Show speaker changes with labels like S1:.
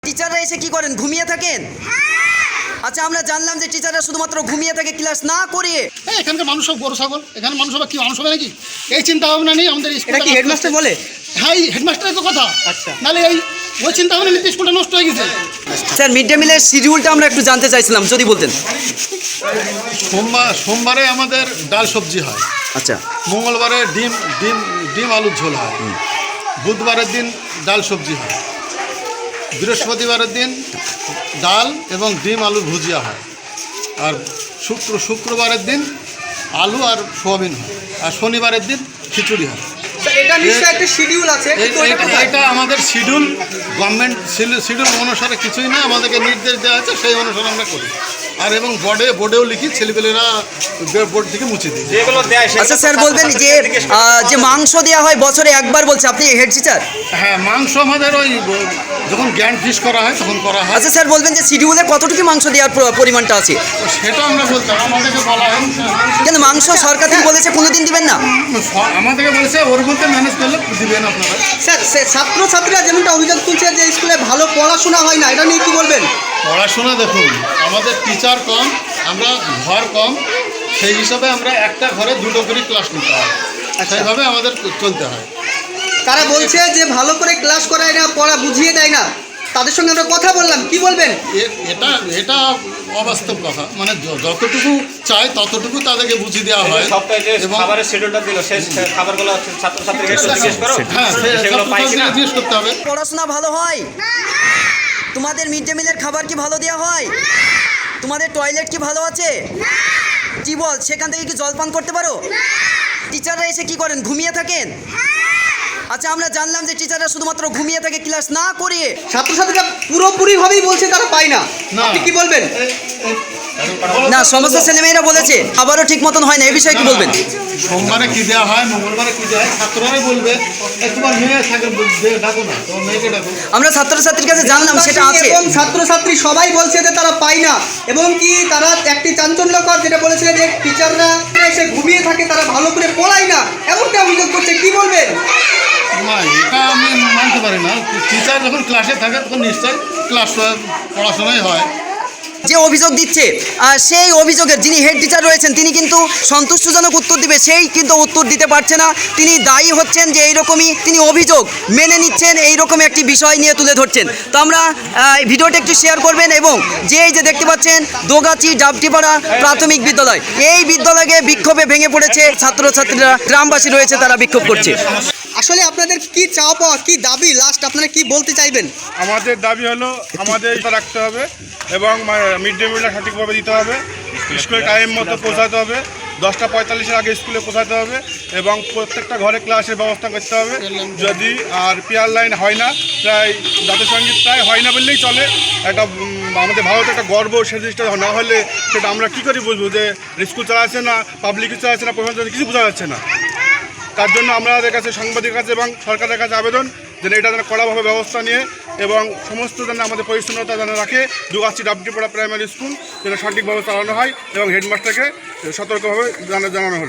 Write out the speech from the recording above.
S1: টিচাররা এসে কি করেন? ঘুমিয়ে থাকেন। আচ্ছা, আমরা জানলাম যে টিচাররা শুধুমাত্র ঘুমিয়ে থাকে, ক্লাস না করে।
S2: এখানকার মানুষ সব গরু ছাগল, এখানে মানুষ হবে কি মানুষ হবে নাকি? এই চিন্তা ভাবনা নেই আমাদের
S1: এটা কি হেডমাস্টার বলে?
S2: হ্যাঁ, হেডমাস্টারের তো কথা।
S1: আচ্ছা,
S2: নাহলে ওই চিন্তা ভাবনা নিতে স্কুলটা নষ্ট হয়ে গেছে।
S1: স্যার, মিড ডে মিলের শিডিউলটা আমরা একটু জানতে চাইছিলাম, যদি বলতেন।
S3: সোমবারে আমাদের ডাল সবজি হয়।
S1: আচ্ছা,
S3: মঙ্গলবারে ডিম আলুর ঝোল হয়। বুধবারের দিন ডাল সবজি হয়। বৃহস্পতিবারের দিন ডাল এবং ডিম আলুর ভুজিয়া হয়। আর শুক্রবারের দিন আলু আর সোয়াবিন হয়। আর শনিবারের দিন খিচুড়ি হয়।
S1: এটা নিশ্চয়ই একটা শিডিউল আছে।
S3: এটা আমাদের শিডিউল, গভর্নমেন্ট শিডিউল অনুসারে কিছুই না, আমাদেরকে নির্দেশ দেওয়া আছে, সেই অনুসারে আমরা করি। আর এবং বোর্ডেও লিখি, ছেলেপেলেরা বোর্ড থেকে মুছে দিই।
S1: আচ্ছা স্যার, বলবেন যে মাংস দেওয়া হয় বছরে একবার, বলছে আপনি হেড টিচার।
S3: হ্যাঁ, মাংস আমাদের ওই যখন গ্র্যান্ড ফিশ করা হয় তখন করা হয়।
S1: আচ্ছা স্যার, বলবেন যে শিডিউলে কতটুকু মাংস দেওয়ার পরিমাণটা আছে?
S3: সেটা আমরা বলতাম, আমাদেরকে বলা হয়।
S1: কিন্তু মাংস সরকার থেকে বলেছে কোনোদিন দিবেন না।
S3: আমাদেরকে বলেছে ওর মধ্যে ম্যানেজ করলে দিবেন আপনারা।
S4: স্যার, ছাত্রছাত্রীরা যেমনটা অভিযোগ তুলছে যে স্কুলে ভালো পড়াশোনা হয় না, এটা নিয়ে কি বলবেন?
S3: পড়াশোনা দেখুন, আমাদের টিচার কম, আমরা ঘর কম, সেই হিসাবে আমরা একটা ঘরে দুটো করে ক্লাস নিতে হয়। সেইভাবে আমাদের চলতে হয়।
S4: তারা বলছে যে ভালো করে ক্লাস করায় না, পড়া বুঝিয়ে দেয় না। তাদের সঙ্গে আমরা কথা বললাম, কি বলবেন?
S3: এটা অবাস্তব কথা। মানে যতটুকু চাই ততটুকু তাদেরকে বুঝিয়ে দেওয়া হয়।
S5: এবং খাবারের শিডিউলটা দিল, সেই খাবারগুলো ছাত্রছাত্রীকে জিজ্ঞেস করো।
S3: হ্যাঁ, জিজ্ঞেস করতে হবে।
S1: পড়াশোনা ভালো হয়? তোমাদের মিড ডে মিলের খাবার কি ভালো দেওয়া হয়? তোমাদের টয়লেট কি ভালো আছে? কি বল, সেখান থেকে কি জলপান করতে পারো? টিচাররা এসে কি করেন? ঘুমিয়ে থাকেন। আচ্ছা, আমরা জানলাম যে টিচাররা শুধুমাত্র ঘুমিয়ে থাকে, ক্লাস না করে।
S4: ছাত্রছাত্রীরা পুরোপুরিভাবেই বলছে তারা পায় না, আপনি কি বলবেন?
S1: না, সমস্ত ছেলেমেয়েরা বলেছে আবারও ঠিক মতন হয় না, এই বিষয়ে কি বলবেন?
S3: সোমবারে কি দেওয়া হয়, মঙ্গলবারে কি দেওয়া হয়, ছাত্ররাই বলবে। তোমার মেয়ে থাকে, ডাকো না, তোমার মেয়েকে ডাকো।
S1: আমরা ছাত্রছাত্রীর কাছে জানলাম সেটা আছে।
S4: এবং ছাত্রছাত্রী সবাই বলছে যে তারা পায় না, এবং কি তারা একটি চাঞ্চল্যকর যেটা বলেছিলেন যে টিচাররা এসে ঘুমিয়ে থাকে, তারা ভালো করে পড়ায় না, এমনটা অভিযোগ করছে, কি বলবেন?
S3: না, এটা আমি মানতে পারি না। টিচার যখন ক্লাসে থাকে তখন নিশ্চয়ই পড়াশোনাই হয়।
S1: যে অভিযোগ দিচ্ছে সেই অভিযোগের যিনি হেড টিচার রয়েছেন তিনি কিন্তু সন্তুষ্টজনক উত্তর দিবে, সেই কিন্তু উত্তর দিতে পারছে না। তিনি দায়ী হচ্ছেন যে এইরকমই তিনি অভিযোগ মেনে নিচ্ছেন, এইরকম একটি বিষয় নিয়ে তুলে ধরছেন। তো আমরা ভিডিওটা একটু শেয়ার করবেন। এবং এই যে দেখতে পাচ্ছেন দোগাছি ডাবটিপাড়া প্রাথমিক বিদ্যালয়, এই বিদ্যালয়ে বিক্ষোভে ভেঙে পড়েছে ছাত্রছাত্রীরা, গ্রামবাসী রয়েছে, তারা বিক্ষোভ করছে।
S4: আসলে আপনাদের কি চাওয়া পাওয়া, কি দাবি, লাস্ট আপনারা কি বলতে চাইবেন?
S6: আমাদের দাবি হলো আমাদের এটা রাখতে হবে এবং মিড ডে মিলটা সঠিকভাবে দিতে হবে, স্কুলে টাইম মতো পৌঁছাতে হবে, 10টা 45-এর আগে স্কুলে পৌঁছাতে হবে এবং প্রত্যেকটা ঘরে ক্লাসের ব্যবস্থা করতে হবে। যদি আর পিয়ার লাইন হয় না, প্রায় জাতীয় সঙ্গীত প্রায় হয় না বললেই চলে। একটা আমাদের ভারত একটা গর্ব, সে জিনিসটা না হলে সেটা আমরা কী করে বুঝবো যে স্কুল চালাচ্ছে না, পাবলিক চালাচ্ছে না, প্রশাসন কিছু বোঝা যাচ্ছে না। তার জন্য আমাদের কাছে সাংবাদিকের কাছে এবং সরকারের কাছে আবেদন যেন এটা যেন কড়াভাবে ব্যবস্থা নিয়ে এবং সমস্ত যেন আমাদের পরিচ্ছন্নতা যেন রাখে, দুগাছি ডাবটিপাড়া প্রাইমারি স্কুল যেন সঠিকভাবে চালানো হয় এবং হেডমাস্টারকে সতর্কভাবে জানানো হলো।